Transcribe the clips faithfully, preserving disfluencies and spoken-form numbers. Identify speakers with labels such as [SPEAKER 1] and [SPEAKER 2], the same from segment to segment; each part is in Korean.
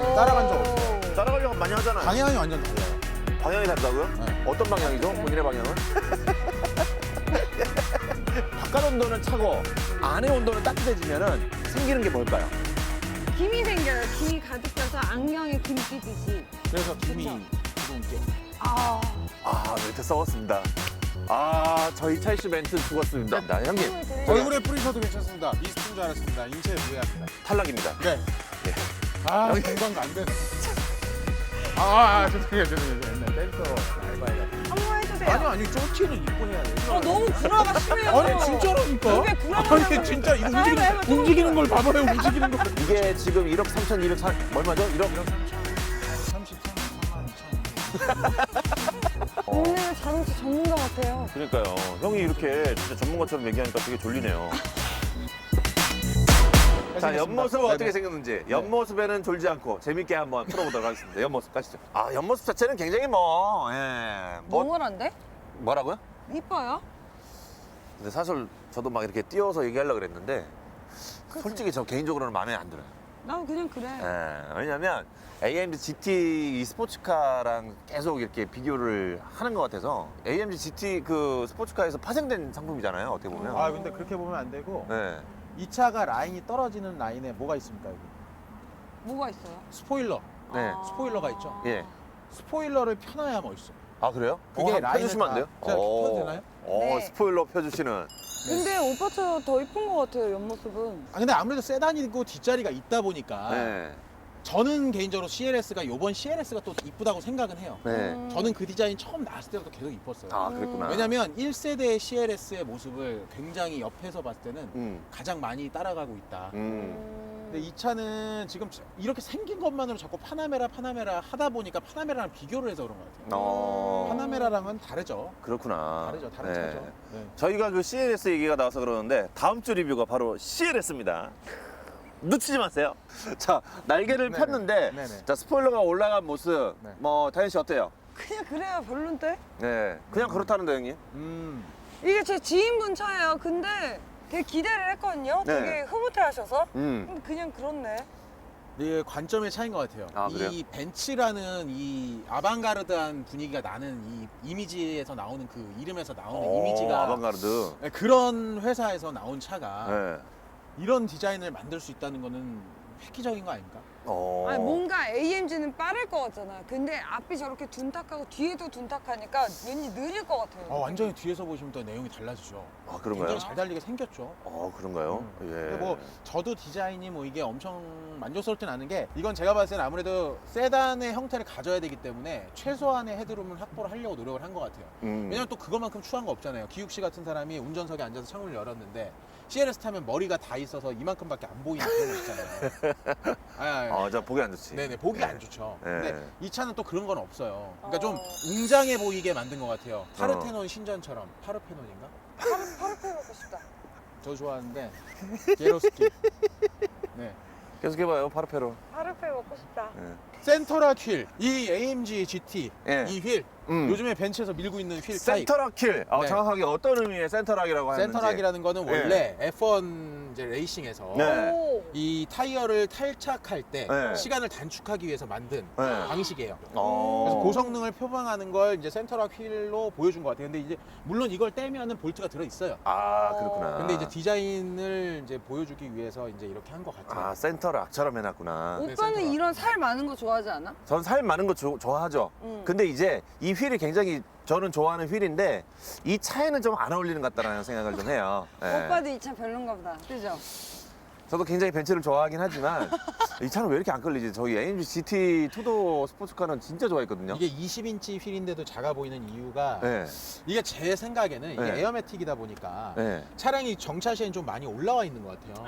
[SPEAKER 1] 따라간 적 없어요.
[SPEAKER 2] 따라가려고 많이 하잖아요.
[SPEAKER 1] 방향이 완전 달라요.
[SPEAKER 2] 방향이 다르다고요?
[SPEAKER 1] 네.
[SPEAKER 2] 어떤 방향이죠? 본인의 방향은? 바깥 온도는 차고 안에 온도는 따뜻해지면은 생기는 게 뭘까요?
[SPEAKER 3] 김이 생겨요. 김이 가득 차서 안경에 김 끼듯이.
[SPEAKER 1] 그래서 김이
[SPEAKER 3] 그쵸?
[SPEAKER 1] 들어온 게.
[SPEAKER 3] 아.
[SPEAKER 2] 아, 멘트 썩었습니다. 아, 저희 차이슈 멘트 죽었습니다. 나 형님
[SPEAKER 1] 얼굴에 뿌리셔도 괜찮습니다. 미스트인 줄 알았습니다. 인체에 무해합니다.
[SPEAKER 2] 탈락입니다.
[SPEAKER 1] 네.
[SPEAKER 2] 네.
[SPEAKER 1] 아,
[SPEAKER 2] 여기-
[SPEAKER 1] 공부한 거안 되네. 아, 아, 아, 죄송해요, 죄송해요. 옛날 댄서 알바해가지고.
[SPEAKER 3] 한번 해주세요.
[SPEAKER 1] 아니, 아니, 쪼티는 입고 해야 돼.
[SPEAKER 3] 어, 너무 구라가 심해요.
[SPEAKER 1] 아니, 진짜라니까.
[SPEAKER 3] 입에 구라가
[SPEAKER 1] 아니, 진짜 이거
[SPEAKER 3] 자, 해봐,
[SPEAKER 1] 움직이는,
[SPEAKER 3] 해봐, 또
[SPEAKER 1] 움직이는 걸 봐봐요, 움직이는 거.
[SPEAKER 2] 이게 지금 일억 삼천이백 사, 얼마죠? 일억?
[SPEAKER 1] 삼십삼만 이천.
[SPEAKER 3] 오늘 자동차 전문가 같아요.
[SPEAKER 2] 그러니까요. 형이 이렇게 진짜 전문가처럼 얘기하니까 되게 졸리네요. 자, 옆모습 어떻게 생겼는지 옆모습에는 졸지 않고 재밌게 한번 풀어보도록 하겠습니다. 옆모습 가시죠. 아, 옆모습 자체는 굉장히 뭐, 예, 뭐
[SPEAKER 3] 몽월한데?
[SPEAKER 2] 뭐라고요?
[SPEAKER 3] 이뻐요?
[SPEAKER 2] 근데 사실 저도 막 이렇게 띄워서 얘기하려고 그랬는데
[SPEAKER 3] 그치?
[SPEAKER 2] 솔직히 저 개인적으로는 마음에 안 들어요.
[SPEAKER 3] 나도 그냥 그래.
[SPEAKER 2] 예, 왜냐면 에이엠지 지티 이 스포츠카랑 계속 이렇게 비교를 하는 것 같아서 에이엠지 지티 그 스포츠카에서 파생된 상품이잖아요. 어떻게 보면.
[SPEAKER 1] 아, 근데 그렇게 보면 안 되고.
[SPEAKER 2] 네.
[SPEAKER 1] 이 차가 라인이 떨어지는 라인에 뭐가 있습니까, 여기?
[SPEAKER 3] 뭐가 있어요?
[SPEAKER 1] 스포일러.
[SPEAKER 2] 네.
[SPEAKER 3] 아.
[SPEAKER 1] 스포일러가 있죠?
[SPEAKER 2] 예.
[SPEAKER 1] 스포일러를 펴놔야 멋있어.
[SPEAKER 2] 아, 그래요?
[SPEAKER 1] 그게
[SPEAKER 2] 어, 한번
[SPEAKER 1] 라인을
[SPEAKER 2] 펴주시면 안 돼요?
[SPEAKER 1] 다- 제가 펴도 되나요?
[SPEAKER 2] 어,
[SPEAKER 3] 네.
[SPEAKER 2] 스포일러 펴주시는.
[SPEAKER 3] 근데 오빠 차 더 이쁜 것 같아요, 옆모습은.
[SPEAKER 1] 아, 근데 아무래도 세단이고 뒷자리가 있다 보니까
[SPEAKER 2] 네.
[SPEAKER 1] 저는 개인적으로 씨엘에스가 요번 씨엘에스가 또 이쁘다고 생각은 해요.
[SPEAKER 2] 네.
[SPEAKER 3] 음.
[SPEAKER 1] 저는 그 디자인 처음 나왔을 때부터 계속 이뻤어요.
[SPEAKER 2] 아, 그랬구나.
[SPEAKER 1] 왜냐면 일 세대 씨엘에스의 모습을 굉장히 옆에서 봤을 때는
[SPEAKER 2] 음.
[SPEAKER 1] 가장 많이 따라가고 있다.
[SPEAKER 2] 음.
[SPEAKER 3] 음.
[SPEAKER 1] 근데 이 차는 지금 이렇게 생긴 것만으로 자꾸 파나메라 파나메라 하다 보니까 파나메라랑 비교를 해서 그런 것 같아요.
[SPEAKER 2] 어.
[SPEAKER 1] 파나메라랑은 다르죠.
[SPEAKER 2] 그렇구나.
[SPEAKER 1] 다르죠. 다른
[SPEAKER 2] 네.
[SPEAKER 1] 차죠. 네.
[SPEAKER 2] 저희가 그 씨엘에스 얘기가 나와서 그러는데 다음 주 리뷰가 바로 씨엘에스입니다. 놓치지 마세요. 자, 날개를
[SPEAKER 1] 네네.
[SPEAKER 2] 폈는데
[SPEAKER 1] 네네.
[SPEAKER 2] 자, 스포일러가 올라간 모습
[SPEAKER 1] 네.
[SPEAKER 2] 뭐 다현 씨 어때요?
[SPEAKER 3] 그냥 그래요, 별론데?
[SPEAKER 2] 네. 그냥 그렇다는데 형님.
[SPEAKER 1] 음.
[SPEAKER 3] 이게 제 지인분 차예요. 근데 되게 기대를 했거든요.
[SPEAKER 2] 네.
[SPEAKER 3] 되게 흐뭇해 하셔서.
[SPEAKER 2] 음.
[SPEAKER 3] 근데 그냥 그렇네.
[SPEAKER 1] 이게 관점의 차이인 것 같아요.
[SPEAKER 2] 아, 그래요?
[SPEAKER 1] 이 벤츠라는 이 아방가르드한 분위기가 나는 이 이미지에서 나오는 그 이름에서 나오는
[SPEAKER 2] 오,
[SPEAKER 1] 이미지가
[SPEAKER 2] 아방가르드.
[SPEAKER 1] 네, 그런 회사에서 나온 차가
[SPEAKER 2] 네.
[SPEAKER 1] 이런 디자인을 만들 수 있다는 거는 획기적인 거 아닙니까?
[SPEAKER 2] 어.
[SPEAKER 3] 아니, 뭔가 에이엠지는 빠를 것 같잖아요. 근데 앞이 저렇게 둔탁하고 뒤에도 둔탁하니까 왠지 느릴 것 같아요.
[SPEAKER 1] 어, 완전히 뒤에서 보시면 또 내용이 달라지죠.
[SPEAKER 2] 아, 그런가요?
[SPEAKER 1] 굉장히 잘 달리게 생겼죠.
[SPEAKER 2] 어, 그런가요?
[SPEAKER 1] 음.
[SPEAKER 2] 예.
[SPEAKER 1] 근데 뭐 저도 디자인이 뭐 이게 엄청 만족스럽진 않은 게 이건 제가 봤을 때는 아무래도 세단의 형태를 가져야 되기 때문에 최소한의 헤드룸을 확보를 하려고 노력을 한 것 같아요.
[SPEAKER 2] 음.
[SPEAKER 1] 왜냐면 또 그것만큼 추한 거 없잖아요. 기욱 씨 같은 사람이 운전석에 앉아서 창문을 열었는데 씨엘에스 타면 머리가 다 있어서 이만큼밖에 안 보이는 그런 거 있잖아요. 아, 아,
[SPEAKER 2] 아, 저 보기 안 좋지.
[SPEAKER 1] 네네, 보기 안 좋죠.
[SPEAKER 2] 네.
[SPEAKER 1] 근데 이 차는 또 그런 건 없어요. 그러니까
[SPEAKER 3] 어.
[SPEAKER 1] 좀 웅장해 보이게 만든 것 같아요. 파르테논 신전처럼. 파르페논인가?
[SPEAKER 3] 파르, 파르페 먹고 싶다.
[SPEAKER 1] 저 좋아하는데 게로스키. 네.
[SPEAKER 2] 계속 해봐요, 파르페로.
[SPEAKER 3] 파르페 먹고 싶다.
[SPEAKER 2] 예.
[SPEAKER 1] 센터라 휠, 이 에이엠지 지티,
[SPEAKER 2] 예.
[SPEAKER 1] 이 휠,
[SPEAKER 2] 음.
[SPEAKER 1] 요즘에 벤츠에서 밀고 있는 휠 타입.
[SPEAKER 2] 센터락 킬. 어,
[SPEAKER 1] 네.
[SPEAKER 2] 정확하게 어떤 의미의 센터락이라고 하는지.
[SPEAKER 1] 센터락이라는 거는
[SPEAKER 2] 예.
[SPEAKER 1] 원래 에프원 이제 레이싱에서
[SPEAKER 2] 네.
[SPEAKER 3] 오.
[SPEAKER 1] 이 타이어를 탈착할 때
[SPEAKER 2] 네.
[SPEAKER 1] 시간을 단축하기 위해서 만든
[SPEAKER 2] 네.
[SPEAKER 1] 방식이에요.
[SPEAKER 2] 어.
[SPEAKER 1] 그래서 고성능을 표방하는 걸 이제 센터락 휠로 보여준 것 같아요. 근데 이제 물론 이걸 떼면은 볼트가 들어 있어요.
[SPEAKER 2] 아, 그렇구나.
[SPEAKER 1] 근데 이제 디자인을 이제 보여주기 위해서 이제 이렇게 한 것 같아요.
[SPEAKER 2] 아, 센터락처럼 해놨구나.
[SPEAKER 1] 네,
[SPEAKER 3] 오빠는
[SPEAKER 1] 센터락.
[SPEAKER 3] 이런 살 많은 거 좋아하지 않아?
[SPEAKER 2] 전 살 많은 거 조- 좋아하죠.
[SPEAKER 3] 응.
[SPEAKER 2] 근데 이제 이 휠이 굉장히 저는 좋아하는 휠인데 이 차에는 좀 안 어울리는 것 같다는 생각을 좀 해요. 예.
[SPEAKER 3] 오빠도 이 차 별론가 보다. 그죠?
[SPEAKER 2] 저도 굉장히 벤츠를 좋아하긴 하지만 이 차는 왜 이렇게 안 끌리지? 저희 에이엠지 지티 투도 스포츠카는 진짜 좋아했거든요.
[SPEAKER 1] 이게 이십 인치 휠인데도 작아 보이는 이유가
[SPEAKER 2] 네.
[SPEAKER 1] 이게 제 생각에는 이게
[SPEAKER 2] 네.
[SPEAKER 1] 에어매틱이다 보니까
[SPEAKER 2] 네.
[SPEAKER 1] 차량이 정차시에는 좀 많이 올라와 있는 것 같아요.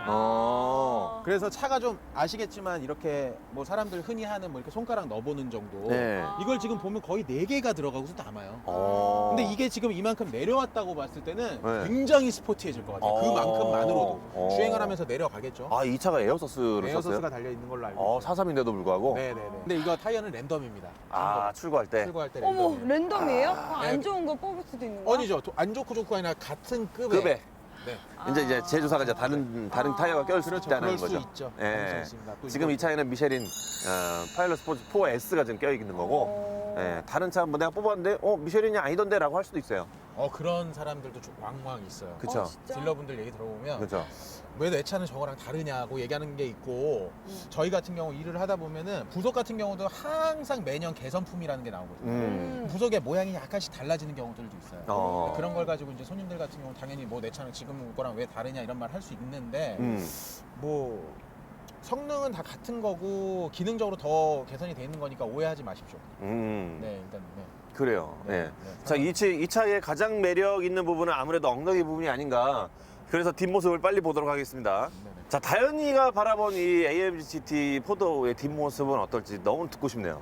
[SPEAKER 2] 어.
[SPEAKER 1] 그래서 차가 좀 아시겠지만 이렇게 뭐 사람들 흔히 하는 뭐 이렇게 손가락 넣어보는 정도.
[SPEAKER 2] 네.
[SPEAKER 1] 이걸 지금 보면 거의 네 개가 들어가고서 남아요.
[SPEAKER 2] 어.
[SPEAKER 1] 근데 이게 지금 이만큼 내려왔다고 봤을 때는
[SPEAKER 2] 네.
[SPEAKER 1] 굉장히 스포티해질 것 같아요.
[SPEAKER 2] 어.
[SPEAKER 1] 그만큼만으로도
[SPEAKER 2] 어.
[SPEAKER 1] 주행을 하면서 내려가겠죠.
[SPEAKER 2] 아, 이 차가 에어서스를
[SPEAKER 1] 에어소스가
[SPEAKER 2] 썼어요?
[SPEAKER 1] 달려 있는 걸로 알고
[SPEAKER 2] 어,
[SPEAKER 1] 있어요.
[SPEAKER 2] 사삼인데도 불구하고.
[SPEAKER 1] 네네네. 근데 이거 타이어는 랜덤입니다.
[SPEAKER 2] 아, 출고할 때.
[SPEAKER 1] 출고할 때
[SPEAKER 3] 어머,
[SPEAKER 1] 랜덤.
[SPEAKER 3] 랜덤이에요?
[SPEAKER 2] 아.
[SPEAKER 3] 어, 안 좋은 거 뽑을 수도 있는 거야?
[SPEAKER 1] 아니죠. 도- 안 좋고 좋고 아니라 같은 급의
[SPEAKER 2] 급에.
[SPEAKER 1] 네.
[SPEAKER 2] 이제 이제 제조사가 이제 다른 다른
[SPEAKER 3] 아.
[SPEAKER 2] 타이어가 껴있
[SPEAKER 1] 그렇죠.
[SPEAKER 2] 다는
[SPEAKER 1] 그럴 수
[SPEAKER 2] 거죠.
[SPEAKER 1] 있죠.
[SPEAKER 2] 예.
[SPEAKER 1] 가능성이 있습니다. 또
[SPEAKER 2] 지금
[SPEAKER 1] 이거-
[SPEAKER 2] 이 차에는 미쉐린 어, 파일럿 스포츠 포 에스가 지금 껴 있는 거고,
[SPEAKER 3] 오.
[SPEAKER 2] 예, 다른 차 한번 내가 뽑았는데 어 미쉐린이 아니던데라고 할 수도 있어요.
[SPEAKER 1] 어 그런 사람들도 좀 왕왕 있어요.
[SPEAKER 2] 그쵸.
[SPEAKER 3] 어, 진짜?
[SPEAKER 1] 딜러분들 얘기 들어보면
[SPEAKER 2] 그렇죠.
[SPEAKER 1] 왜 내 차는 저거랑 다르냐고 얘기하는 게 있고
[SPEAKER 3] 음.
[SPEAKER 1] 저희 같은 경우 일을 하다 보면은 부속 같은 경우도 항상 매년 개선품이라는 게 나오거든요.
[SPEAKER 2] 음.
[SPEAKER 1] 부속의 모양이 약간씩 달라지는 경우들도 있어요.
[SPEAKER 2] 어.
[SPEAKER 1] 그런 걸 가지고 이제 손님들 같은 경우 당연히 뭐 내 차는 지금 거랑 왜 다르냐 이런 말 할 수 있는데
[SPEAKER 2] 음.
[SPEAKER 1] 뭐 성능은 다 같은 거고 기능적으로 더 개선이 돼 있는 거니까 오해하지 마십시오.
[SPEAKER 2] 음.
[SPEAKER 1] 네 일단 네.
[SPEAKER 2] 그래요.
[SPEAKER 1] 네,
[SPEAKER 2] 예.
[SPEAKER 1] 네.
[SPEAKER 2] 자, 이, 차, 이 차의 가장 매력 있는 부분은 아무래도 엉덩이 부분이 아닌가. 그래서 뒷모습을 빨리 보도록 하겠습니다.
[SPEAKER 1] 네네.
[SPEAKER 2] 자, 다현이가 바라본 이 에이엠지 지티 포도의 뒷모습은 어떨지 너무 듣고 싶네요.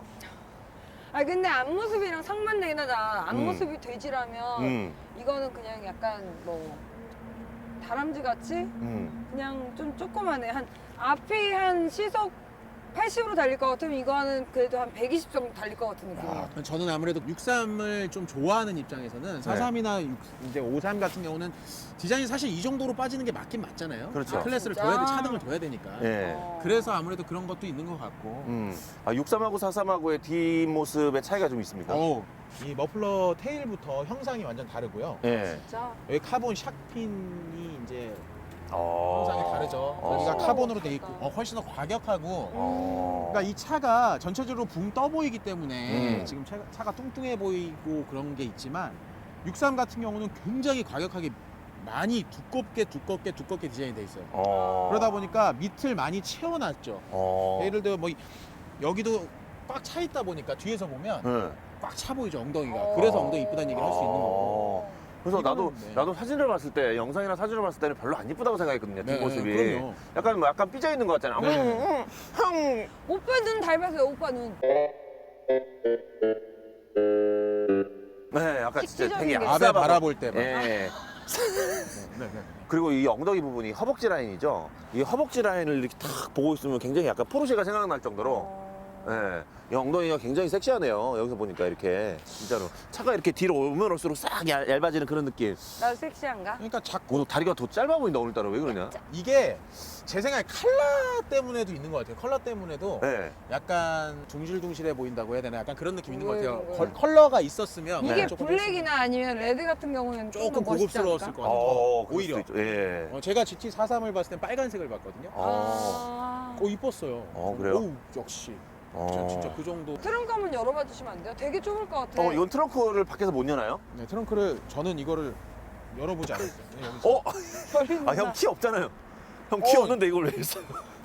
[SPEAKER 3] 아 근데 앞모습이랑 상반되긴 하다.
[SPEAKER 2] 음.
[SPEAKER 3] 앞모습이 돼지라면
[SPEAKER 2] 음,
[SPEAKER 3] 이거는 그냥 약간 뭐 다람쥐 같이
[SPEAKER 2] 음.
[SPEAKER 3] 그냥 좀 조그만해. 한 앞이 한 시속 팔십으로 달릴 것 같으면 이거는 그래도 한 백이십 정도 달릴 것 같은 느낌이야.
[SPEAKER 1] 아, 저는 아무래도 육십삼을 좀 좋아하는 입장에서는 사십삼이나 이제 오십삼 같은 경우는 디자인이 사실 이 정도로 빠지는 게 맞긴 맞잖아요.
[SPEAKER 2] 그렇죠.
[SPEAKER 1] 아, 클래스를
[SPEAKER 3] 진짜?
[SPEAKER 1] 둬야 돼, 차등을 둬야 되니까.
[SPEAKER 2] 예.
[SPEAKER 3] 어.
[SPEAKER 1] 그래서 아무래도 그런 것도 있는 것 같고.
[SPEAKER 2] 음. 아, 육십삼하고 사십삼하고의 뒷모습의 차이가 좀 있습니까?
[SPEAKER 1] 어우, 이 머플러 테일부터 형상이 완전 다르고요.
[SPEAKER 2] 예.
[SPEAKER 3] 진짜.
[SPEAKER 1] 여기 카본 샥핀이 이제
[SPEAKER 2] 어.
[SPEAKER 1] 형상이 다르죠.
[SPEAKER 2] 어.
[SPEAKER 1] 여기가
[SPEAKER 3] 훨씬
[SPEAKER 1] 카본으로
[SPEAKER 3] 더
[SPEAKER 1] 돼 있고,
[SPEAKER 3] 멋있다.
[SPEAKER 1] 어, 훨씬 더 과격하고.
[SPEAKER 2] 어.
[SPEAKER 1] 그러니까 이 차가 전체적으로 붕 떠 보이기 때문에
[SPEAKER 2] 음.
[SPEAKER 1] 지금 차, 차가 뚱뚱해 보이고 그런 게 있지만 육십삼 같은 경우는 굉장히 과격하게 많이 두껍게 두껍게 두껍게 디자인이 돼 있어요.
[SPEAKER 2] 어.
[SPEAKER 1] 그러다 보니까 밑을 많이 채워놨죠.
[SPEAKER 2] 어.
[SPEAKER 1] 예를 들어 뭐 이- 여기도 꽉 차 있다 보니까 뒤에서 보면
[SPEAKER 2] 예.
[SPEAKER 1] 꽉 차 보이죠 엉덩이가.
[SPEAKER 3] 어.
[SPEAKER 1] 그래서 엉덩이 이쁘다는 얘기를 할 수 있는 거고.
[SPEAKER 2] 어. 그래서
[SPEAKER 1] 이거는
[SPEAKER 2] 나도
[SPEAKER 1] 네.
[SPEAKER 2] 나도 사진을 봤을 때 영상이나 사진을 봤을 때는 별로 안 이쁘다고 생각했거든요.
[SPEAKER 1] 네,
[SPEAKER 2] 뒷모습이.
[SPEAKER 1] 그럼요.
[SPEAKER 2] 약간 뭐 약간 삐져 있는 것 같잖아.
[SPEAKER 1] 네.
[SPEAKER 2] 음, 음, 음.
[SPEAKER 3] 오빠 눈 닮았어요. 오빠 눈.
[SPEAKER 2] 네, 약간 진짜
[SPEAKER 3] 식기적인
[SPEAKER 2] 되게
[SPEAKER 3] 게.
[SPEAKER 1] 앞에
[SPEAKER 2] 얍삽하고.
[SPEAKER 1] 바라볼 때만.
[SPEAKER 2] 예.
[SPEAKER 1] 네, 네, 네.
[SPEAKER 2] 그리고 이 엉덩이 부분이 허벅지 라인이죠. 이 허벅지 라인을 이렇게 탁 보고 있으면 굉장히 약간 포르쉐가 생각날 정도로
[SPEAKER 3] 어.
[SPEAKER 2] 예. 이 엉덩이가 굉장히 섹시하네요. 여기서 보니까 이렇게 진짜로 차가 이렇게 뒤로 오면 올수록 싹 얇, 얇아지는 그런 느낌.
[SPEAKER 3] 나 섹시한가?
[SPEAKER 1] 그러니까 자꾸
[SPEAKER 2] 오늘 다리가 더 짧아 보인다 오늘따라 왜 그러냐?
[SPEAKER 1] 이게 제 생각에 컬러 때문에도 있는 것 같아요. 컬러 때문에도
[SPEAKER 2] 네.
[SPEAKER 1] 약간 둥실둥실해 보인다고 해야 되나? 약간 그런 느낌 있는 것 같아요.
[SPEAKER 3] 왜, 왜?
[SPEAKER 1] 컬- 컬러가 있었으면
[SPEAKER 3] 이게
[SPEAKER 1] 조금
[SPEAKER 3] 블랙이나 아니면 레드 같은 경우는
[SPEAKER 1] 조금
[SPEAKER 3] 조금 멋있지
[SPEAKER 1] 고급스러웠을
[SPEAKER 3] 않을까?
[SPEAKER 1] 것 같아요.
[SPEAKER 2] 어, 그럴
[SPEAKER 1] 오히려.
[SPEAKER 2] 수도 있죠. 예.
[SPEAKER 1] 어, 제가 지티 사십삼을 봤을 땐 빨간색을 봤거든요.
[SPEAKER 2] 어.
[SPEAKER 3] 아.
[SPEAKER 1] 오 이뻤어요.
[SPEAKER 2] 어, 그래요?
[SPEAKER 1] 오 역시.
[SPEAKER 2] 어.
[SPEAKER 1] 전 진짜 그 정도.
[SPEAKER 3] 트렁크 한번 열어봐 주시면 안 돼요? 되게 좁을 것 같아.
[SPEAKER 2] 어, 이건 트렁크를 밖에서 못 여나요?
[SPEAKER 1] 네, 트렁크를 저는 이거를 열어보지 않았어요. 네, 여기서.
[SPEAKER 2] 어?
[SPEAKER 3] 열린다.
[SPEAKER 2] 아, 형 키 없잖아요. 형 키
[SPEAKER 1] 어.
[SPEAKER 2] 없는데 이걸 왜 했어요?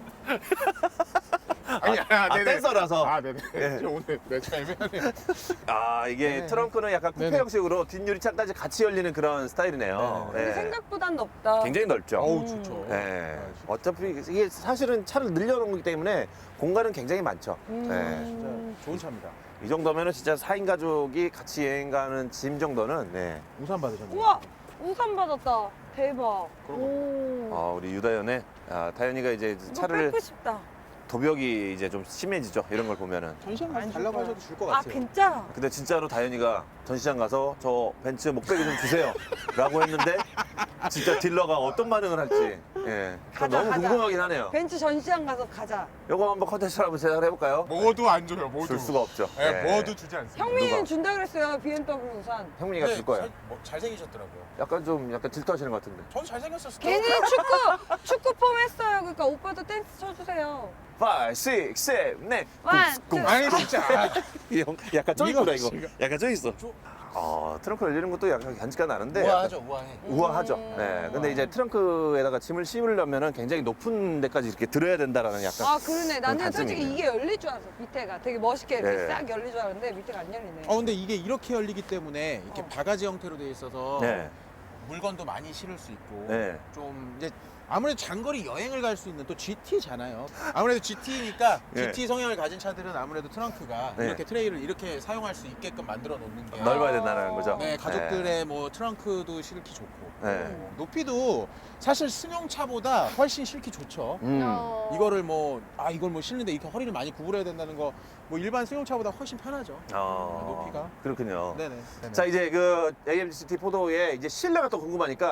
[SPEAKER 1] 아니,
[SPEAKER 2] 아, 댄서라서.
[SPEAKER 1] 아, 네네.
[SPEAKER 2] 예.
[SPEAKER 1] 저 오늘 내차 애매하네요.
[SPEAKER 2] 아, 이게
[SPEAKER 1] 네.
[SPEAKER 2] 트렁크는 약간 쿠페
[SPEAKER 1] 네네.
[SPEAKER 2] 형식으로 뒷유리창까지 같이 열리는 그런 스타일이네요.
[SPEAKER 1] 네.
[SPEAKER 3] 근데
[SPEAKER 2] 예.
[SPEAKER 3] 생각보단 넓다.
[SPEAKER 2] 굉장히 넓죠.
[SPEAKER 1] 어우
[SPEAKER 3] 음.
[SPEAKER 1] 좋죠.
[SPEAKER 2] 예.
[SPEAKER 1] 아,
[SPEAKER 2] 어차피 이게 사실은 차를 늘려놓은 거기 때문에 공간은 굉장히 많죠.
[SPEAKER 3] 음.
[SPEAKER 1] 진짜 좋은 차입니다.
[SPEAKER 2] 예. 이 정도면은 진짜 사 인 가족이 같이 여행 가는 짐 정도는 네.
[SPEAKER 1] 우산 받으셨네요.
[SPEAKER 3] 우와! 우산 받았다. 대박.
[SPEAKER 1] 그런
[SPEAKER 3] 오.
[SPEAKER 2] 아, 우리 유다연의 아, 다현이가 이제
[SPEAKER 3] 이거
[SPEAKER 2] 차를
[SPEAKER 3] 뺏고 싶다.
[SPEAKER 2] 도벽이 이제 좀 심해지죠. 이런 걸 보면은.
[SPEAKER 1] 전시장
[SPEAKER 3] 안
[SPEAKER 1] 가서
[SPEAKER 3] 줄
[SPEAKER 1] 달라고
[SPEAKER 3] 거야.
[SPEAKER 1] 하셔도 줄 것
[SPEAKER 3] 아
[SPEAKER 1] 같아요.
[SPEAKER 3] 진짜?
[SPEAKER 2] 근데 진짜로 다현이가 전시장 가서 저 벤츠 목베개 좀 주세요 라고 했는데 진짜 딜러가 어떤 반응을 할지 예. 저
[SPEAKER 3] 가자,
[SPEAKER 2] 너무
[SPEAKER 3] 가자.
[SPEAKER 2] 궁금하긴 하네요.
[SPEAKER 3] 벤츠 전시장 가서 가자.
[SPEAKER 2] 요거 한번 컨텐츠로 한번 제작을 해볼까요?
[SPEAKER 1] 모두 안 줘요. 모두.
[SPEAKER 2] 줄 수가 없죠.
[SPEAKER 1] 네,
[SPEAKER 2] 예.
[SPEAKER 1] 모두 주지 않습니다.
[SPEAKER 3] 형민이는
[SPEAKER 2] 누가?
[SPEAKER 3] 준다 그랬어요. 비엠더블유 우산.
[SPEAKER 2] 형민이가 줄 거예요.
[SPEAKER 1] 잘, 뭐, 잘생기셨더라고요.
[SPEAKER 2] 약간 좀 약간 질투하시는 것 같은데.
[SPEAKER 1] 저도 잘생겼었어요.
[SPEAKER 3] 괜히 축구 축구 폼 했어요. 그러니까 오빠도 댄스 쳐주세요.
[SPEAKER 2] 오, 육, 칠, 팔.
[SPEAKER 3] One, two.
[SPEAKER 1] 아니 진짜.
[SPEAKER 2] 형, 약간 쪄
[SPEAKER 1] 이거
[SPEAKER 2] 있구나 이거.
[SPEAKER 1] 지금.
[SPEAKER 2] 약간 쪄 있어.
[SPEAKER 1] 저-
[SPEAKER 2] 어, 트렁크 열리는 것도 약간 간지가 나는데.
[SPEAKER 1] 우아하죠, 우아해.
[SPEAKER 2] 약간 우아하죠.
[SPEAKER 3] 음.
[SPEAKER 2] 네. 근데 이제 트렁크에다가 짐을 씌우려면은 굉장히 높은 데까지 이렇게 들어야 된다라는 약간.
[SPEAKER 3] 아 그러네. 나는
[SPEAKER 2] 단점이
[SPEAKER 3] 솔직히
[SPEAKER 2] 있네요.
[SPEAKER 3] 이게 열릴 줄 알았어. 밑에가 되게 멋있게 이렇게
[SPEAKER 2] 네.
[SPEAKER 3] 싹 열릴 줄 알았는데 밑에가 안 열리네.
[SPEAKER 1] 어 근데 이게 이렇게 열리기 때문에 이렇게
[SPEAKER 3] 어.
[SPEAKER 1] 바가지 형태로 돼 있어서
[SPEAKER 2] 네.
[SPEAKER 1] 물건도 많이 실을 수 있고
[SPEAKER 2] 네.
[SPEAKER 1] 좀 이제 아무래도 장거리 여행을 갈 수 있는 또 지티잖아요. 아무래도 지티니까
[SPEAKER 2] 네.
[SPEAKER 1] 지티 성향을 가진 차들은 아무래도 트렁크가
[SPEAKER 2] 네.
[SPEAKER 1] 이렇게 트레이를 이렇게 사용할 수 있게끔 만들어 놓는 게
[SPEAKER 2] 넓어야 된다는 거죠.
[SPEAKER 1] 네, 가족들의 뭐 트렁크도 실기 좋고
[SPEAKER 2] 네.
[SPEAKER 1] 어, 높이도 사실 승용차보다 훨씬 실기 좋죠.
[SPEAKER 2] 음.
[SPEAKER 3] 어.
[SPEAKER 1] 이거를 뭐 아 이걸 뭐 실는데 이렇게 허리를 많이 구부려야 된다는 거 뭐 일반 승용차보다 훨씬 편하죠.
[SPEAKER 2] 어,
[SPEAKER 1] 높이가.
[SPEAKER 2] 그렇군요.
[SPEAKER 1] 네네. 네네.
[SPEAKER 2] 자 이제 그 에이엠지 씨티 포도의 이제 실내가 또 궁금하니까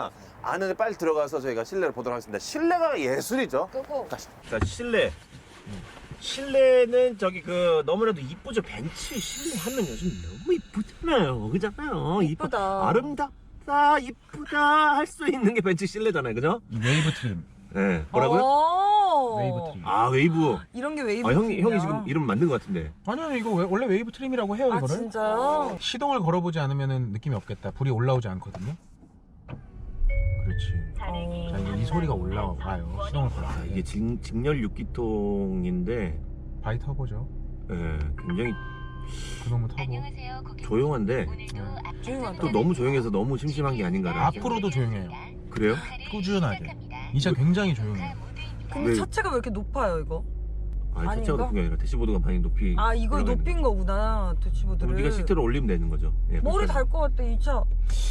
[SPEAKER 2] 안에 빨리 들어가서 저희가 실내를 보도록 하겠습니다. 실내가 예술이죠.
[SPEAKER 3] 끄고.
[SPEAKER 2] 자, 실내. 실내는 저기 그 너무나도 이쁘죠. 벤츠 실내 하면 요즘 너무 이쁘잖아요. 그잖아요. 이쁘-
[SPEAKER 3] 이쁘다.
[SPEAKER 2] 아름답다, 이쁘다 할 수 있는 게 벤츠 실내잖아요. 그죠?
[SPEAKER 1] 이 웨이브 트림.
[SPEAKER 2] 네. 뭐라고요?
[SPEAKER 3] 오.
[SPEAKER 1] 웨이브 트림.
[SPEAKER 2] 아, 웨이브.
[SPEAKER 3] 이런 게 웨이브.
[SPEAKER 2] 아, 형이
[SPEAKER 3] 트림이야.
[SPEAKER 2] 형이 지금 이름 만든 것 같은데.
[SPEAKER 1] 아니요, 이거 왜- 원래 웨이브 트림이라고 해요,
[SPEAKER 3] 아
[SPEAKER 1] 이거를.
[SPEAKER 3] 진짜요?
[SPEAKER 1] 시동을 걸어보지 않으면 느낌이 없겠다. 불이 올라오지 않거든요. 그렇지.
[SPEAKER 3] 어.
[SPEAKER 1] 자, 이게 이 소리가 올라와요. 시동을 걸어.
[SPEAKER 2] 아, 이게 직, 직렬 육 기통인데
[SPEAKER 1] 바이 터보죠.
[SPEAKER 2] 예, 굉장히
[SPEAKER 1] 그놈의 터보.
[SPEAKER 2] 조용한데
[SPEAKER 3] 조용하다.
[SPEAKER 2] 또 너무 조용해서 너무 심심한 게 아닌가라는
[SPEAKER 1] 앞으로도 조용해요.
[SPEAKER 2] 그래요?
[SPEAKER 1] 꾸준하게. 이 차 굉장히 조용해요.
[SPEAKER 3] 근데
[SPEAKER 2] 왜-
[SPEAKER 3] 차체가 왜 이렇게 높아요 이거?
[SPEAKER 2] 아니
[SPEAKER 3] 아닌가?
[SPEAKER 2] 차체가 높은 게 아니라 대시보드가 많이 높이
[SPEAKER 3] 아 이거
[SPEAKER 2] 올라가 있는
[SPEAKER 3] 높인 거구나 대치보드를.
[SPEAKER 2] 우리가 시트를 올리면 되는 거죠. 예,
[SPEAKER 3] 머리
[SPEAKER 2] 불편-
[SPEAKER 3] 달 것 같아 이 차.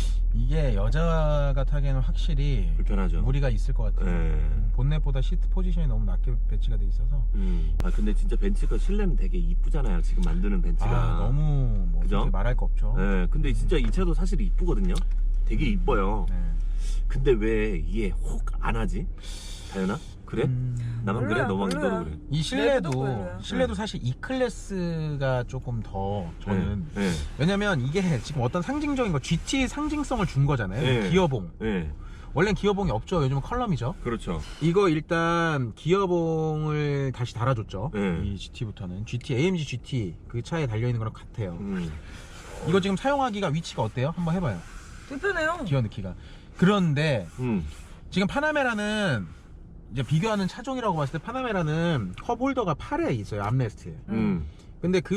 [SPEAKER 1] 이게 여자가 타기에는 확실히
[SPEAKER 2] 불편하죠.
[SPEAKER 1] 무리가 있을 것 같아요.
[SPEAKER 2] 예.
[SPEAKER 1] 본넷보다 시트 포지션이 너무 낮게 배치가 돼 있어서
[SPEAKER 2] 음. 아 근데 진짜 벤츠가 실내는 되게 이쁘잖아요. 지금 만드는 벤츠가.
[SPEAKER 1] 아, 너무 뭐
[SPEAKER 2] 그죠?
[SPEAKER 1] 솔직히 말할 거 없죠.
[SPEAKER 2] 예. 근데 진짜 이 차도 사실 이쁘거든요. 되게 이뻐요.
[SPEAKER 1] 네.
[SPEAKER 2] 근데 왜 이게 혹 안 하지? 다현아? 그래?
[SPEAKER 1] 음,
[SPEAKER 2] 나만 그래?
[SPEAKER 3] 별로야,
[SPEAKER 2] 너만
[SPEAKER 3] 별로야.
[SPEAKER 2] 너도 그래?
[SPEAKER 1] 이
[SPEAKER 3] 내비도
[SPEAKER 1] 실내도
[SPEAKER 3] 별로야.
[SPEAKER 1] 실내도 사실 E 클래스가 조금 더 저는
[SPEAKER 2] 예.
[SPEAKER 1] 왜냐면 이게 지금 어떤 상징적인 거 지티 상징성을 준 거잖아요.
[SPEAKER 2] 네.
[SPEAKER 1] 기어봉.
[SPEAKER 2] 예. 예.
[SPEAKER 1] 원래는 기어봉이 없죠. 요즘은 컬럼이죠.
[SPEAKER 2] 그렇죠.
[SPEAKER 1] 이거 일단 기어봉을 다시 달아줬죠.
[SPEAKER 2] 네.
[SPEAKER 1] 이 지티부터는 지티 에이엠지 지티 그 차에 달려 있는 거랑 같아요.
[SPEAKER 2] 음.
[SPEAKER 1] 이거 지금 사용하기가 위치가 어때요? 한번 해봐요.
[SPEAKER 3] 불편해요.
[SPEAKER 1] 기어 넣기가. 그런데
[SPEAKER 2] 음.
[SPEAKER 1] 지금 파나메라는 이제 비교하는 차종이라고 봤을 때 파나메라는 컵 홀더가 팔에 있어요. 암레스트에.
[SPEAKER 2] 음.
[SPEAKER 1] 근데 그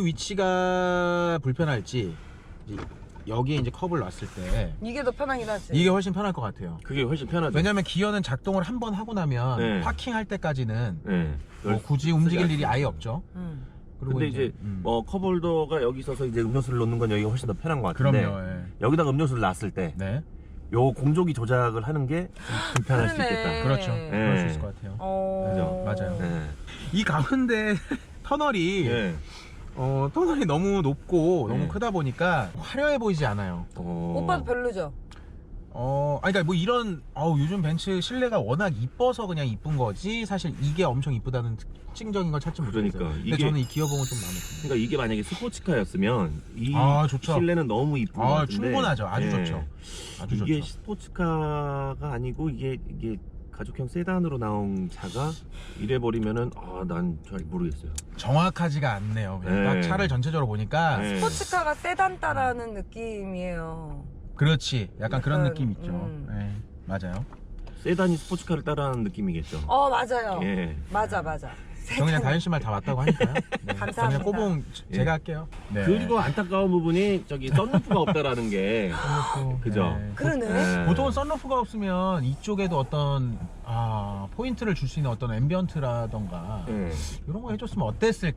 [SPEAKER 1] 위치가 불편할지 이제 여기에 이제 컵을 놨을 때
[SPEAKER 3] 이게 더 편하긴 하지.
[SPEAKER 1] 이게 훨씬 편할 것 같아요.
[SPEAKER 2] 그게 훨씬 편하죠.
[SPEAKER 1] 왜냐면 기어는 작동을 한 번 하고 나면
[SPEAKER 2] 네.
[SPEAKER 1] 파킹할 때까지는
[SPEAKER 2] 예.
[SPEAKER 1] 뭐 굳이 움직일
[SPEAKER 2] 쓰지
[SPEAKER 1] 일이
[SPEAKER 2] 않습니다.
[SPEAKER 1] 아예 없죠.
[SPEAKER 3] 음.
[SPEAKER 1] 그리고
[SPEAKER 2] 근데 이제
[SPEAKER 1] 음.
[SPEAKER 2] 뭐 컵홀더가 여기 있어서 이제 음료수를 놓는 건 여기가 훨씬 더 편한 것 같은데
[SPEAKER 1] 그럼요. 예.
[SPEAKER 2] 여기다가 음료수를 놨을 때 요
[SPEAKER 1] 네.
[SPEAKER 2] 공조기 조작을 하는 게 불편할 수
[SPEAKER 3] 그러네.
[SPEAKER 2] 있겠다.
[SPEAKER 1] 그렇죠.
[SPEAKER 3] 네.
[SPEAKER 1] 그럴 수 있을 것 같아요.
[SPEAKER 3] 어.
[SPEAKER 1] 그죠? 맞아요.
[SPEAKER 2] 예.
[SPEAKER 1] 이 가운데 터널이
[SPEAKER 2] 예.
[SPEAKER 1] 어, 터널이 너무 높고
[SPEAKER 2] 네.
[SPEAKER 1] 너무 크다 보니까 화려해 보이지 않아요.
[SPEAKER 2] 어.
[SPEAKER 3] 오빠도 별로죠?
[SPEAKER 1] 어, 아니, 그러니까 뭐 이런, 어우, 요즘 벤츠 실내가 워낙 이뻐서 그냥 이쁜 거지, 사실 이게 엄청 이쁘다는 특징적인 걸 찾지 못했어요.
[SPEAKER 2] 그러니까,
[SPEAKER 1] 근데
[SPEAKER 2] 이게-
[SPEAKER 1] 저는 이 기어봉은 좀 마음에 듭니다.
[SPEAKER 2] 그러니까 이게 만약에 스포츠카였으면 이
[SPEAKER 1] 아, 좋죠.
[SPEAKER 2] 실내는 너무 이쁜 것
[SPEAKER 1] 아,
[SPEAKER 2] 같은데
[SPEAKER 1] 충분하죠. 아주
[SPEAKER 2] 예.
[SPEAKER 1] 좋죠. 아주
[SPEAKER 2] 이게
[SPEAKER 1] 좋죠.
[SPEAKER 2] 스포츠카가 아니고 이게 이게 가족형 세단으로 나온 차가 이래 버리면은 아, 난 잘 모르겠어요.
[SPEAKER 1] 정확하지가 않네요. 그냥
[SPEAKER 2] 네.
[SPEAKER 1] 딱 차를 전체적으로 보니까.
[SPEAKER 2] 네.
[SPEAKER 3] 스포츠카가 세단 따라하는 느낌이에요.
[SPEAKER 1] 그렇지. 약간 그런
[SPEAKER 3] 약간,
[SPEAKER 1] 느낌 있죠.
[SPEAKER 3] 음.
[SPEAKER 1] 네, 맞아요.
[SPEAKER 2] 세단이 스포츠카를 따라하는 느낌이겠죠.
[SPEAKER 3] 어 맞아요.
[SPEAKER 2] 예.
[SPEAKER 3] 맞아 맞아.
[SPEAKER 1] 저 그냥 다현 씨 말 다 맞다고 하니까요. 네.
[SPEAKER 3] 감사합니다.
[SPEAKER 1] 저 그냥 꼬봉
[SPEAKER 2] 예.
[SPEAKER 1] 제가 할게요. 네.
[SPEAKER 2] 그리고 안타까운 부분이 저기 썬루프가 없다라는 게
[SPEAKER 1] 썬루프.
[SPEAKER 2] 그죠?
[SPEAKER 1] 네.
[SPEAKER 3] 그러네.
[SPEAKER 2] 예.
[SPEAKER 1] 보통은 썬루프가 없으면 이쪽에도 어떤 아, 포인트를 줄 수 있는 어떤 앰비언트라던가
[SPEAKER 2] 예.
[SPEAKER 1] 이런 거 해줬으면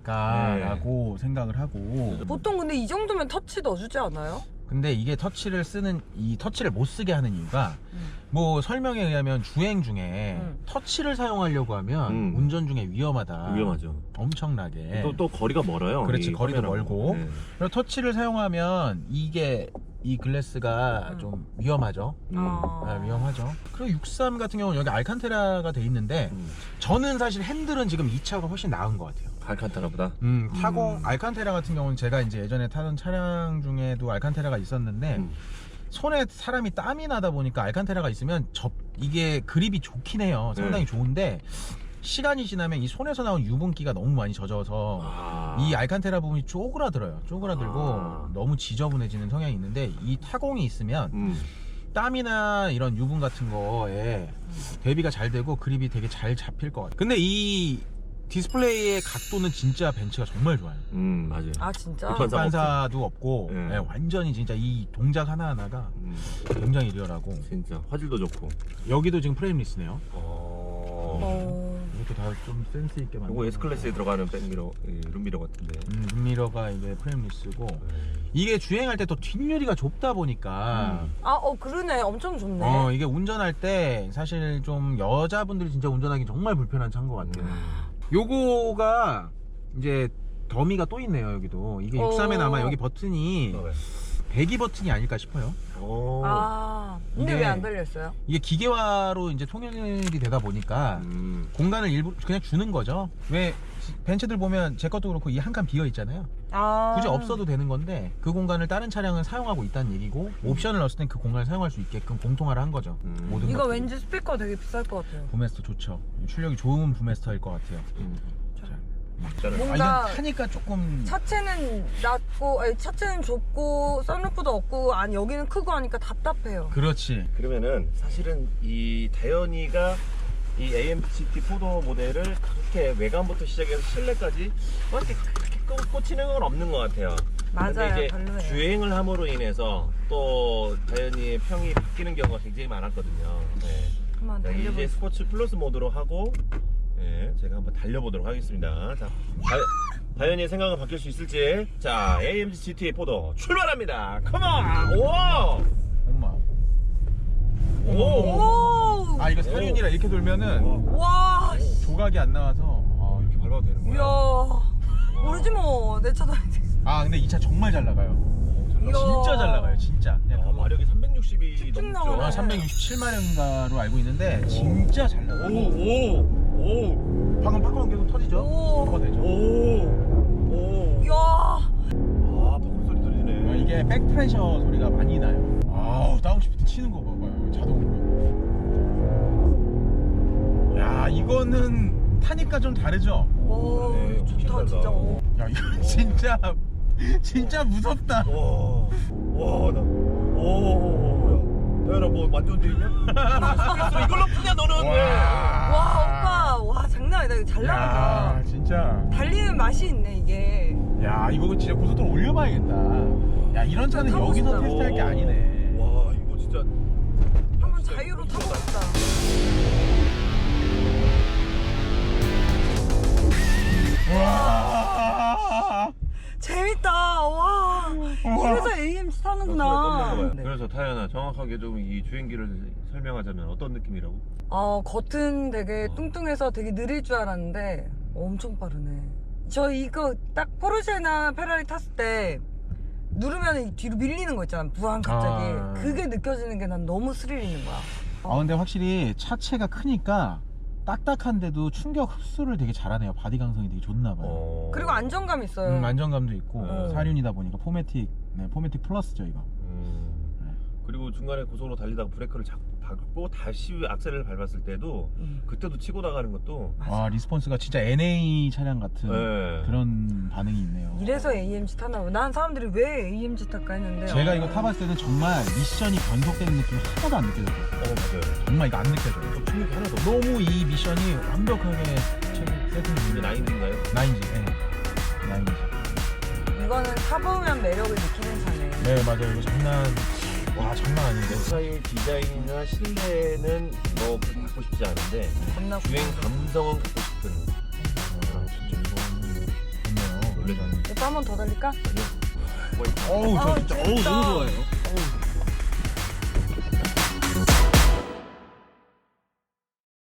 [SPEAKER 1] 어땠을까라고 생각을 하고
[SPEAKER 3] 보통 근데 이 정도면 터치 넣어주지 않아요?
[SPEAKER 1] 근데 이게 터치를 쓰는 이 터치를 못 쓰게 하는 이유가
[SPEAKER 3] 음.
[SPEAKER 1] 뭐 설명에 의하면 주행 중에
[SPEAKER 3] 음.
[SPEAKER 1] 터치를 사용하려고 하면
[SPEAKER 2] 음.
[SPEAKER 1] 운전 중에 위험하다.
[SPEAKER 2] 위험하죠.
[SPEAKER 1] 엄청나게.
[SPEAKER 2] 또, 또 거리가 멀어요.
[SPEAKER 1] 그렇지,
[SPEAKER 2] 이
[SPEAKER 1] 거리도
[SPEAKER 2] 카메라하고.
[SPEAKER 1] 멀고.
[SPEAKER 2] 예.
[SPEAKER 1] 그리고 터치를 사용하면 이게 이 글래스가
[SPEAKER 3] 음.
[SPEAKER 1] 좀 위험하죠.
[SPEAKER 2] 음.
[SPEAKER 3] 아.
[SPEAKER 1] 아, 위험하죠. 그리고 육십삼 같은 경우는 여기 알칸테라가 돼 있는데
[SPEAKER 2] 음.
[SPEAKER 1] 저는 사실 핸들은 지금 이 차가 훨씬 나은 것 같아요.
[SPEAKER 2] 알칸타라보다.
[SPEAKER 1] 음, 타공
[SPEAKER 2] 음.
[SPEAKER 1] 알칸테라 같은 경우는 제가 이제 예전에 타던 차량 중에도 알칸테라가 있었는데
[SPEAKER 2] 음.
[SPEAKER 1] 손에 사람이 땀이 나다 보니까 알칸테라가 있으면 접 이게 그립이 좋긴 해요. 상당히
[SPEAKER 2] 네.
[SPEAKER 1] 좋은데 시간이 지나면 이 손에서 나온 유분기가 너무 많이 젖어서
[SPEAKER 2] 아.
[SPEAKER 1] 이 알칸테라 부분이 쪼그라들어요. 쪼그라들고
[SPEAKER 2] 아.
[SPEAKER 1] 너무 지저분해지는 성향이 있는데 이 타공이 있으면
[SPEAKER 2] 음.
[SPEAKER 1] 땀이나 이런 유분 같은 거에 대비가 잘 되고 그립이 되게 잘 잡힐 것 같아요. 근데 이 디스플레이의 각도는 진짜 벤츠가 정말 좋아요.
[SPEAKER 2] 음, 맞아요.
[SPEAKER 3] 아 진짜?
[SPEAKER 2] 불편사
[SPEAKER 1] 반사도 없고
[SPEAKER 2] 네.
[SPEAKER 1] 네, 완전히 진짜 이 동작 하나하나가
[SPEAKER 2] 음,
[SPEAKER 1] 굉장히 리얼하고
[SPEAKER 2] 진짜 화질도 좋고.
[SPEAKER 1] 여기도 지금 프레임리스네요.
[SPEAKER 2] 어.
[SPEAKER 3] 어...
[SPEAKER 1] 이것도 다 좀 센스 있게 만든
[SPEAKER 2] 이거 S 클래스에 들어가는 백미러, 예, 룸미러 같은데.
[SPEAKER 1] 음, 룸미러가 이게 프레임리스고 이게 주행할 때 또 뒷유리가 좁다 보니까
[SPEAKER 2] 음.
[SPEAKER 3] 아, 어 그러네. 엄청 좋네.
[SPEAKER 1] 어 이게 운전할 때 사실 좀 여자분들이 진짜 운전하기 정말 불편한 차인 것 같아요.
[SPEAKER 2] 음.
[SPEAKER 1] 요거가 이제 더미가 또 있네요. 여기도 이게
[SPEAKER 3] 어.
[SPEAKER 1] 육십삼에 아마 여기 버튼이
[SPEAKER 2] 어, 네.
[SPEAKER 1] 배기 버튼이 아닐까 싶어요.
[SPEAKER 2] 오.
[SPEAKER 3] 아, 근데
[SPEAKER 1] 이게-
[SPEAKER 3] 왜 안 달려있어요?
[SPEAKER 1] 이게 기계화로 이제 통일이 되다 보니까
[SPEAKER 2] 음.
[SPEAKER 1] 공간을 일부 그냥 주는 거죠. 왜 벤츠들 보면 제 것도 그렇고 이 한 칸 비어 있잖아요.
[SPEAKER 3] 아.
[SPEAKER 1] 굳이 없어도 되는 건데 그 공간을 다른 차량은 사용하고 있다는 얘기고 옵션을 넣었을 땐 그 공간을 사용할 수 있게끔 공통화를 한 거죠.
[SPEAKER 2] 음.
[SPEAKER 1] 모든
[SPEAKER 3] 이거
[SPEAKER 1] 것들이.
[SPEAKER 3] 왠지 스피커 되게 비쌀 것 같아요.
[SPEAKER 1] 부메스터 좋죠. 출력이 좋은 부메스터일 것 같아요.
[SPEAKER 2] 음.
[SPEAKER 1] 아,
[SPEAKER 3] 뭔가
[SPEAKER 1] 이건 타니까 조금
[SPEAKER 3] 차체는 낮고, 아니, 차체는 좁고, 썬루프도 없고, 아니, 여기는 크고 하니까 답답해요.
[SPEAKER 1] 그렇지.
[SPEAKER 2] 그러면은 사실은 이 다현이가 이 에이엠지 지티 포도 모델을 그렇게 외관부터 시작해서 실내까지 뭐 이렇게 그렇게 꽂- 꽂히는 건 없는 것 같아요.
[SPEAKER 3] 맞아요,
[SPEAKER 2] 근데 이제
[SPEAKER 3] 별로예요.
[SPEAKER 2] 주행을 함으로 인해서 또 다현이의 평이 바뀌는 경우가 굉장히 많았거든요. 네.
[SPEAKER 3] 한번
[SPEAKER 2] 자, 이제
[SPEAKER 3] 달려보세요.
[SPEAKER 2] 스포츠 플러스 모드로 하고, 예, 제가 한번 달려보도록 하겠습니다. 자, 다, 다현이의 생각은 바뀔 수 있을지. 자, 에이엠지 지티 포도 출발합니다. 컴온! 오!
[SPEAKER 1] 엄마.
[SPEAKER 2] 오!
[SPEAKER 3] 오!
[SPEAKER 1] 아 이거 사륜이라 이렇게 돌면은
[SPEAKER 3] 와, 씨.
[SPEAKER 1] 조각이 안 나와서 아 이렇게 밟아도 되는
[SPEAKER 3] 이야.
[SPEAKER 1] 거야.
[SPEAKER 3] 모르지 뭐. 내 차도 아닌데.
[SPEAKER 1] 아 근데 이 차 정말 잘 나가요.
[SPEAKER 3] 이야.
[SPEAKER 1] 진짜 잘 나가요. 진짜. 그냥
[SPEAKER 2] 아,
[SPEAKER 1] 그거
[SPEAKER 2] 마력이 삼백육십이
[SPEAKER 3] 쭉쭉
[SPEAKER 2] 넘죠.
[SPEAKER 3] 나오네.
[SPEAKER 1] 아, 삼백육십칠마력인가로 알고 있는데 진짜 잘 나가요.
[SPEAKER 2] 오, 오,
[SPEAKER 1] 방금 팝콘 계속 터지죠?
[SPEAKER 3] 오.
[SPEAKER 1] 터가 되죠.
[SPEAKER 2] 오, 오.
[SPEAKER 3] 이야.
[SPEAKER 2] 아, 팝콘 소리
[SPEAKER 1] 아,
[SPEAKER 2] 들리네.
[SPEAKER 1] 이게 백프레셔 소리가 많이 나요. 아우 다운시프트 치는 거 봐봐요. 자동으로. 야 이거는 타니까 좀 다르죠?
[SPEAKER 3] 오,
[SPEAKER 2] 네,
[SPEAKER 3] 좋다,
[SPEAKER 2] 확실히
[SPEAKER 3] 진짜.
[SPEAKER 2] 달라.
[SPEAKER 3] 오.
[SPEAKER 1] 야 이거 진짜 진짜 무섭다.
[SPEAKER 2] 와, 와, 나, 오, 다현아 뭐 만져도 되냐? 이걸로 푸냐 너는? 왜?
[SPEAKER 3] 와, 오빠. 와, 장난 아니다. 이거 잘
[SPEAKER 1] 야
[SPEAKER 3] 나가다.
[SPEAKER 1] 진짜.
[SPEAKER 3] 달리는 맛이 있네, 이게.
[SPEAKER 1] 야 이거 진짜 고속도로 올려봐야겠다. 야 이런 차는
[SPEAKER 3] 타고
[SPEAKER 1] 여기서
[SPEAKER 3] 싶다.
[SPEAKER 1] 테스트할 게 아니네.
[SPEAKER 2] 와, 이거 진짜.
[SPEAKER 3] 한번
[SPEAKER 2] 진짜
[SPEAKER 3] 자유로
[SPEAKER 2] 이거
[SPEAKER 3] 타고
[SPEAKER 2] 진짜
[SPEAKER 3] 싶다.
[SPEAKER 1] 와.
[SPEAKER 3] 재밌다. 와. 이래서 에이엠지 타는구나. 네.
[SPEAKER 2] 그래서 타연아 정확하게 좀 이 주행기를 설명하자면 어떤 느낌이라고?
[SPEAKER 3] 어, 겉은 되게 뚱뚱해서 되게 느릴 줄 알았는데 엄청 빠르네. 저 이거 딱 포르쉐나 페라리 탔을 때 누르면 뒤로 밀리는 거 있잖아. 부항 갑자기.
[SPEAKER 1] 아.
[SPEAKER 3] 그게 느껴지는 게 난 너무 스릴 있는 거야.
[SPEAKER 1] 아 근데 확실히 차체가 크니까 딱딱한데도 충격 흡수를 되게 잘하네요. 바디 강성이 되게 좋나 봐요.
[SPEAKER 2] 어...
[SPEAKER 3] 그리고 안정감 있어요.
[SPEAKER 1] 음, 안정감도 있고
[SPEAKER 2] 어.
[SPEAKER 1] 사륜이다 보니까 포매틱, 네, 포매틱 플러스죠 이거.
[SPEAKER 2] 음...
[SPEAKER 1] 네.
[SPEAKER 2] 그리고 중간에 고속으로 달리다가 브레이크를 잡, 밟고 다시 악셀을 밟았을 때도
[SPEAKER 3] 음.
[SPEAKER 2] 그때도 치고 나가는 것도
[SPEAKER 1] 와 리스폰스가 진짜 엔에이 차량 같은
[SPEAKER 2] 네.
[SPEAKER 1] 그런 반응이 있네요.
[SPEAKER 3] 이래서 에이엠지 타나 봐. 난 사람들이 왜 에이엠지 탈까 했는데
[SPEAKER 1] 제가
[SPEAKER 3] 어.
[SPEAKER 1] 이거 타봤을 때는 정말 미션이 변속되는 느낌이 하나도 안 느껴져요.
[SPEAKER 2] 어 맞아요.
[SPEAKER 1] 정말 이거 안 느껴져요.
[SPEAKER 2] 좀 충격이 하나도 없어.
[SPEAKER 1] 너무 이 미션이 완벽하게 세팅이
[SPEAKER 2] 이게 나인인가요?
[SPEAKER 1] 나인지, 네. 나인지.
[SPEAKER 3] 이거는 타보면 매력을 느끼는 차네.
[SPEAKER 1] 네 맞아요. 이거 장난, 와 장난 아닌데.
[SPEAKER 2] 차의 디자인이나 실내는 뭐 그렇게 갖고 싶지 않은데
[SPEAKER 3] 겁나
[SPEAKER 2] 주행 감성은 갖고 싶은.
[SPEAKER 1] 아, 진짜 이거는 좋네요.
[SPEAKER 2] 원래 저는
[SPEAKER 3] 오빠 한 번 더 달릴까?
[SPEAKER 2] 뭐
[SPEAKER 1] 어우 저
[SPEAKER 3] 아우,
[SPEAKER 1] 진짜
[SPEAKER 3] 재밌다.
[SPEAKER 1] 어우 너무 좋아요. 어우.